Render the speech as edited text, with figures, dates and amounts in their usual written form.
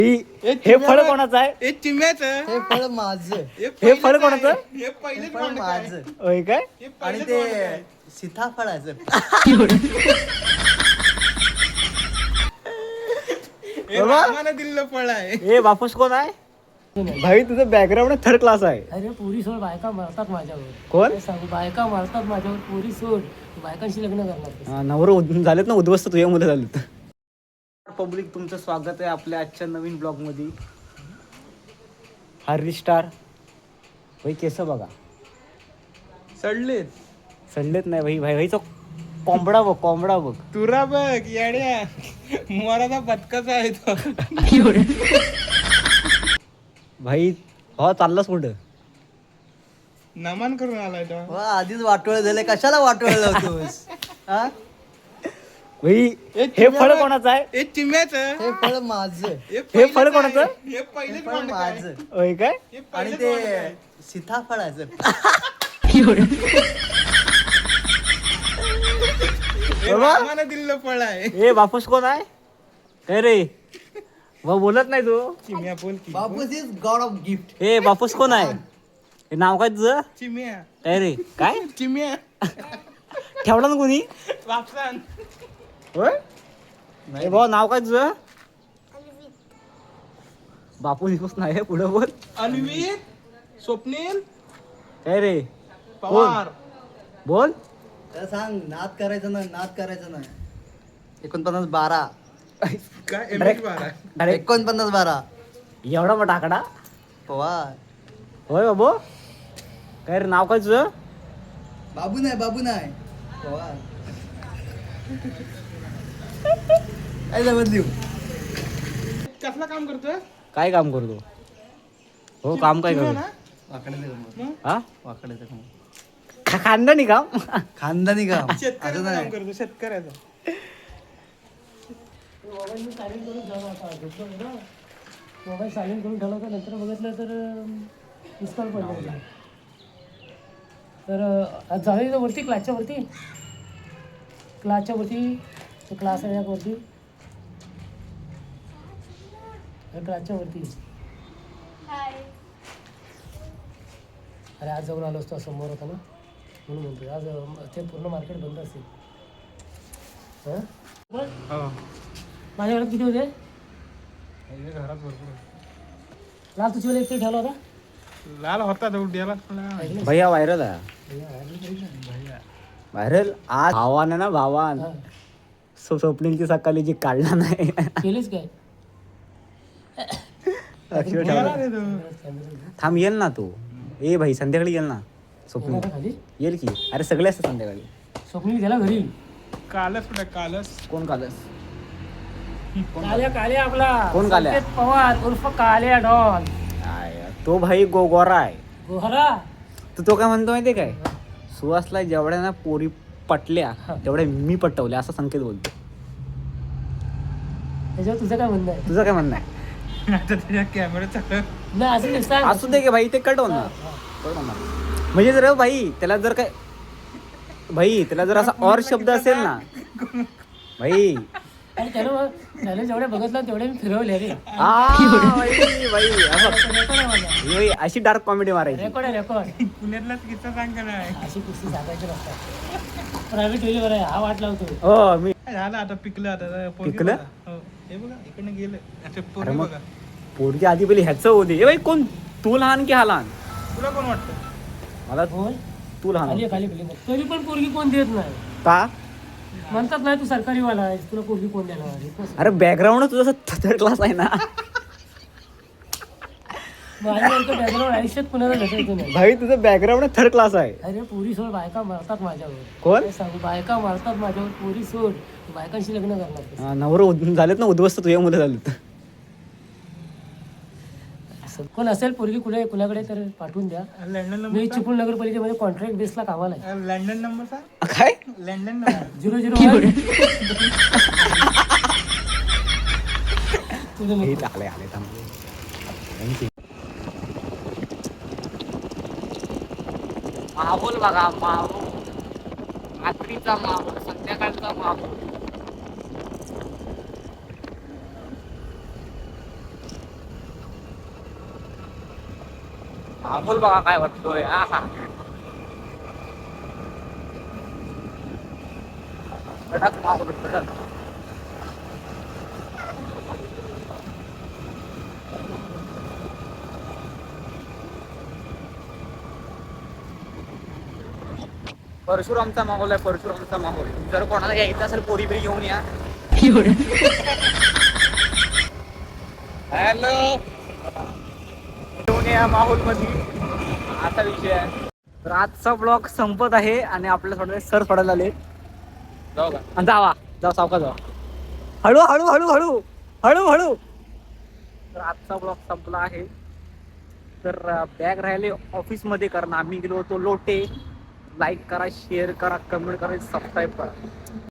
हे फळ कोणाचं आहे? हे चिम्याचं. हे फळ माझं. हे फळ कोणाचं? हे पहिले फळ माझं. होय काय? आणि ते सीताफळाचं. रामानं दिलेलं फळ आहे. हे बापूस कोण आहे? भाई तुझं बॅकग्राऊंड थर्ड क्लास आहे. अरे पोरी सोड, बायका मारतात माझ्यावर. कोण? काय सांगू, बायका मारतात माझ्यावर. पोरी सोड, बायकांशी लग्न करणार. नवरं झालेत ना, उद्ध्वस्त तुझ्या मुलं झालेत. पब्लिक तुमचं स्वागत आहे आपल्या आजच्या नवीन ब्लॉग मध्ये. हरी स्टार भाई केस बघा, सडलेत. सडलेत नाही भाई. भाई भाईचा कोंबडा बघ, कोंबडा बघ. तुरा बघ येड्या, मोराचा बदकाचा आहे तो. भाई हो चाललास कुठं? नमन करून आलाय तो. वा, आधीच वाटोळ झाले, कशाला वाटोळ लावतोस? हा? भाई हे फळ कोणाचं आहे? हे चिम्याचं. हे फळ माझं. हे फळ कोणाचं? हे पहिले हे फळ माझं. होय काय? आणि ते सीताफळाचं. रामानं दिलेलं फळ आहे. हे बापूस कोण आहे? काय रे भाऊ बोलत नाही तू? चिम्या बोल की. बापूस इज गॉड ऑफ गिफ्ट. हे बापूस कोण आहे? हे नाव काय तुझं? चिम्या. काय रे काय चिम्या. ठेवला ना कोणी? वापसान. होय. हे भाऊ नाव काय तुझं? बापू दिवस नाही पुढे बोल. अन्वित, स्वप्नील, काय रे पवार. बोल. त्याला सांग, नाद करायचं नाही, नाद करायचं नाही. 49-12. काय एमएच बारा. डायरेक्ट 49-12. एवढा मोठा आकडा. पवार. होय बाबू. काय रे नाव काय तुझं? बाबू नाही, बाबू नाही, पवार. काय जमत लिहू? कसलं काम करतोय? काय काम करतो? हो काम काय चिम्या करतो? ना? वाकड्याचं काम. हा वाकड्याचं काम. खानदानी काम. खानदानी काम. असं शेतकऱ्याचं काम नाही. करतो, शेतकऱ्याचं. मोबाईल मी सायलेंट करून ठेवला होता. झोपलो ना, मोबाईल सायलेंट करून ठेवला होता. नंतर बघितलं तर मिसकॉल पडला होता. तर आज जाऊया वरती, क्लासच्या वरती. तो क्लास आहे वरती. क्लासच्या वरती. अरे आज जाऊन आलो असतो, समोर होता ना, म्हणून म्हणतो. आज ते पूर्ण मार्केट बंद असेल. हां बरं. हो. माझ्या घरात किती होते? घरात भरपूर. लाल तुझी एक ठेवला होता. लाल होता तो उड्याला. भैया व्हायरल आहे. व्हायरल आज भावानं ना, भावान हां. स्वप्नीलची सकाळी जी काढला नाही. केलीच काय? अक्षर ठेवला. थांब येईल ना तू. ए भाई संध्याकाळी येईल ना स्वप्नील. आता खाली येईल की. अरे सगळे असतात संध्याकाळी. स्वप्नील गेला घरी. कालच कुठे कालच. कोण कालस? काल्या आपला कोण काल्या? संकेत पवार उर्फ काल्या डॉन. तो भाई गोरा आहे. गोहरा. तो काय म्हणतो माहितीये काय? सुहासला जेवढ्या ना पोरी पटल्या तेवढ्या मी पटवल्या असं संकेत बोलतो. त्याच्यावर तुझं काय म्हणणं आहे? तुझं काय म्हणणं आहे? आता त्याच्या कॅमेरा चालू. नाही असं नाही, सांग. असू दे की भाई, ते कट होणार. कट होणार म्हणजे जर भाई त्याला जर काय भाई त्याला जर असा और शब्द असेल ना भाई. आणि त्याला जेवढे बघितलं तेवढे मी फिरवले रे. भाई अशी डार्क कॉमेडी मारायची. रेकॉर्ड आहे, रेकॉर्ड. पुण्यातलाच किस्सा सांग का नाही. अशी कुस्ती सांगायची नसतात. प्रायव्हेट वेळी बरं आहे, हा वाट लावतो. हो मी झालं आता पिकलं आता. पोरगी पिकलं? बघा. हो. हे बघा इकडनं गेलं. आता अरे पोरगी मग बघा. पोरगी आधी पहिले ह्याचं होते. ए भाई कोण? तू लहान की हा लहान? तुला कोण वाटतं? मला बोल. तू लहान खाली खाली खाली. तरी पण पोरगी कोण देत नाही. का? म्हणतात नाही तू सरकारी वाला आहेस, तुला पोरगी कोण देणार? अरे बॅकग्राऊंड तुझा थर्ड क्लास आहे ना. माझ्यासारखं बॅकग्राऊंड आयुष्यात कुणाला भेटायचं नाही. भाई तुझं बॅकग्राऊंड थर्ड क्लास आहे. अरे पोरी सोड, बायका मारतात माझ्यावर. कोण? काय सांगू, बायका मारतात माझ्यावर. पोरी सोड, बायकांशी लग्न करणार. नवरं झालेत ना, उद्ध्वस्त तुझ्या मुलं झालेत. कोण असेल पोरगी कुणाकडे तर पाठवून द्या. लंडन मी नंबर. चिपळूण नगरपालिकेमध्ये कॉन्ट्रॅक्ट बेसला कामाला आहे. लंडन नंबर सांग. काय? London number. 001. तुझं हे मित्र. आले आले थांबले. माहोल बघा, माहोल रात्रीचा माहोल, संध्याकाळचा माहोल. माहोल बघा काय वाटतोय. आहा. कडक माहोल, कडक. परशुरामचा माहोल आहे, परशुरामचा माहोल. जर कोणाला यायचं असेल पोरी बिरी घेऊन या. हॅलो, घेऊन या माहोल मध्ये, असा विषय आहे. तर आजचा ब्लॉग संपत आहे आणि आपल्या थोडे सर सोडायला आले. जाऊ का? जावा जाऊ, सावका जावा. हळू हळू हळू हळू हळू हळू. तर आजचा ब्लॉग संपला आहे. तर बॅग राहिले ऑफिस मध्ये, कारण आम्ही गेलो होतो लोटे. लाईक करा, शेअर करा, कमेंट करा, सबस्क्राईब करा.